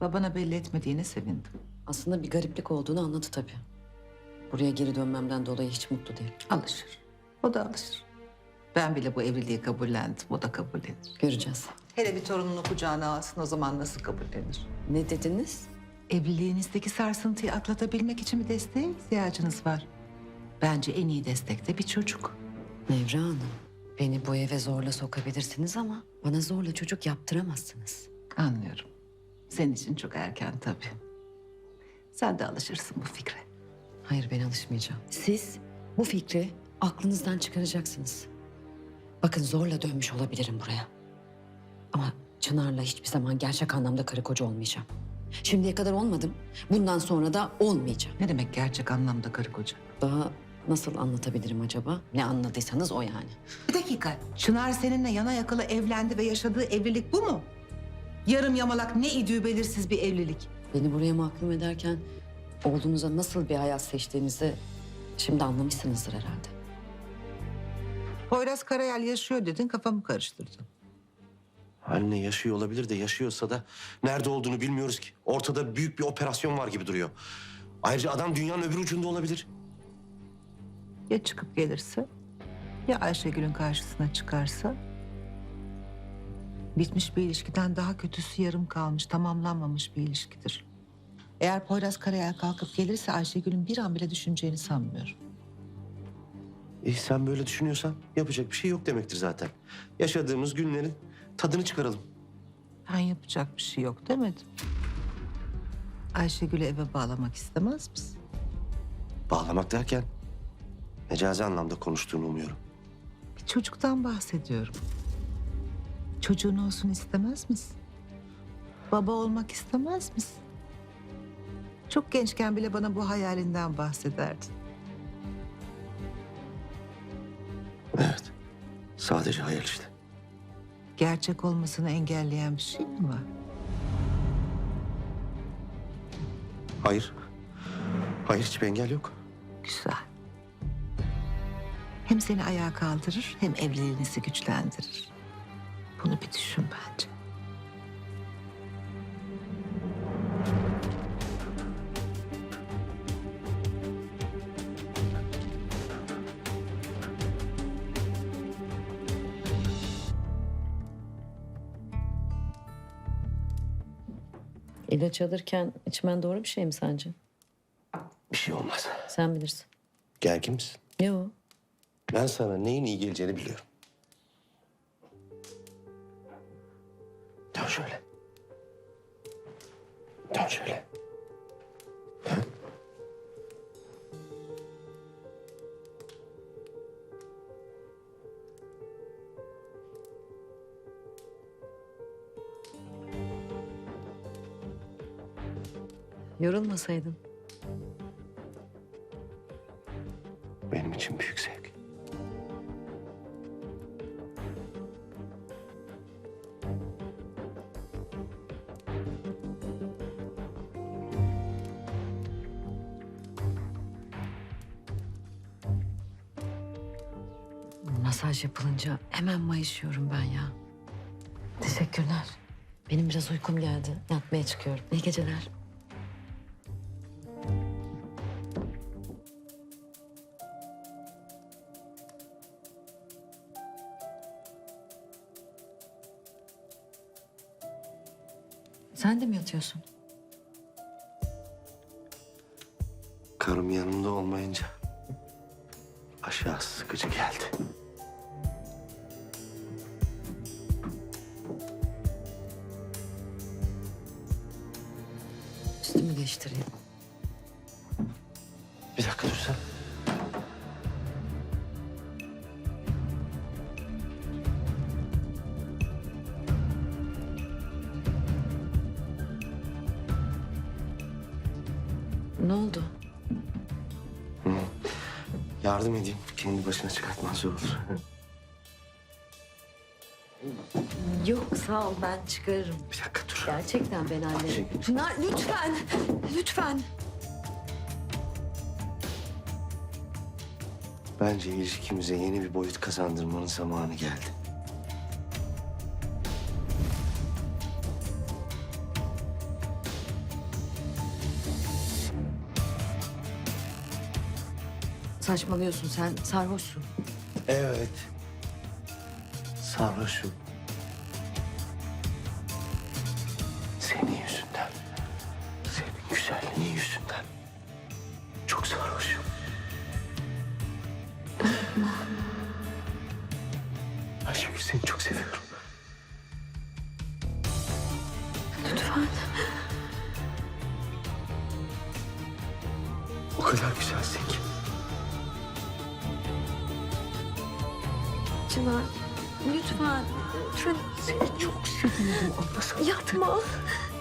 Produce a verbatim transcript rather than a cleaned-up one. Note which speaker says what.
Speaker 1: Babana belli etmediğine sevindim.
Speaker 2: Aslında bir gariplik olduğunu anladı tabii. Buraya geri dönmemden dolayı hiç mutlu değil.
Speaker 1: Alışır. O da alışır. Ben bile bu evliliği kabullendim. O da kabullenir.
Speaker 2: Göreceğiz.
Speaker 1: Hele bir torununu kucağına alsın, o zaman nasıl kabullenir?
Speaker 2: Ne dediniz?
Speaker 1: Evliliğinizdeki sarsıntıyı atlatabilmek için bir desteğe ihtiyacınız var. Bence en iyi destek de bir çocuk.
Speaker 2: Nevra Hanım, beni bu eve zorla sokabilirsiniz ama bana zorla çocuk yaptıramazsınız.
Speaker 1: Anlıyorum. Senin için çok erken tabii. Sen de alışırsın bu fikre.
Speaker 2: Hayır, ben alışmayacağım. Siz bu fikri aklınızdan çıkaracaksınız. Bakın, zorla dönmüş olabilirim buraya. Ama Çınar'la hiçbir zaman gerçek anlamda karı koca olmayacağım. Şimdiye kadar olmadım. Bundan sonra da olmayacağım.
Speaker 1: Ne demek gerçek anlamda karı koca?
Speaker 2: Daha nasıl anlatabilirim acaba? Ne anladıysanız o yani.
Speaker 1: Bir dakika. Çınar seninle yana yakıla evlendi ve yaşadığı evlilik bu mu? Yarım yamalak ne idüğü belirsiz bir evlilik.
Speaker 2: Beni buraya mahkum ederken oğlunuza nasıl bir hayat seçtiğinizi şimdi anlamışsınızdır herhalde.
Speaker 1: Poyraz Karayel yaşıyor dedin, kafamı karıştırdın.
Speaker 3: Anne yaşıyor olabilir de yaşıyorsa da nerede olduğunu bilmiyoruz ki. Ortada büyük bir operasyon var gibi duruyor. Ayrıca adam dünyanın öbür ucunda olabilir.
Speaker 1: Ya çıkıp gelirse? Ya Ayşegül'ün karşısına çıkarsa? Bitmiş bir ilişkiden daha kötüsü yarım kalmış, tamamlanmamış bir ilişkidir. Eğer Poyraz Karayel kalkıp gelirse Ayşegül'ün bir an bile düşüneceğini sanmıyorum.
Speaker 3: E sen böyle düşünüyorsan yapacak bir şey yok demektir zaten. Yaşadığımız günlerin tadını çıkaralım.
Speaker 1: Ben yapacak bir şey yok demedim. Ayşegül'ü eve bağlamak istemez misin?
Speaker 3: Bağlamak derken mecazi anlamda konuştuğunu umuyorum.
Speaker 1: Bir çocuktan bahsediyorum. Çocuğun olsun istemez misin? Baba olmak istemez misin? Çok gençken bile bana bu hayalinden bahsederdin.
Speaker 3: Evet. Sadece hayal işte.
Speaker 1: Gerçek olmasını engelleyen bir şey mi var?
Speaker 3: Hayır. Hayır, hiçbir engel yok.
Speaker 1: Güzel. Hem seni ayağa kaldırır hem evliliğinizi güçlendirir. Bunu bir düşün bence.
Speaker 2: İlaç alırken içmen doğru bir şey mi sence?
Speaker 3: Bir şey olmaz.
Speaker 2: Sen bilirsin.
Speaker 3: Gergin misin?
Speaker 2: Yok.
Speaker 3: Ben sana neyin iyi geleceğini biliyorum. Dön şöyle. Dön şöyle. Ha?
Speaker 2: Yorulmasaydın.
Speaker 3: Benim için büyük zevk.
Speaker 2: Masaj yapılınca hemen mayışıyorum ben ya. Teşekkürler. Benim biraz uykum geldi. Yatmaya çıkıyorum. İyi geceler. Sen de mi yatıyorsun?
Speaker 3: Karım yanımda olmayınca aşağı sıkıcı geldi.
Speaker 2: Üstümü değiştireyim.
Speaker 3: Bir dakika dur sen.
Speaker 2: Ne oldu?
Speaker 3: Yardım edeyim. Kendi başına çıkartman zor olur.
Speaker 2: Yok, sağ ol, ben çıkarırım.
Speaker 3: Bir dakika dur.
Speaker 2: Gerçekten ben hallederim.
Speaker 3: Çekil.
Speaker 2: Pınar, lütfen. Lütfen.
Speaker 3: Bence ilişkimize yeni bir boyut kazandırmanın zamanı geldi.
Speaker 2: Saçmalıyorsun, sen sarhoşsun.
Speaker 3: Evet. Sarhoşum. Senin yüzünden. Senin güzelliğin yüzünden. Çok sarhoşum. Ayşegül, seni çok seviyorum.
Speaker 2: Lütfen.
Speaker 3: O kadar güzelsin ki.
Speaker 2: Çınar, lütfen. Lütfen.
Speaker 3: Seni çok seviyorum. Anlasana.
Speaker 2: Yapma.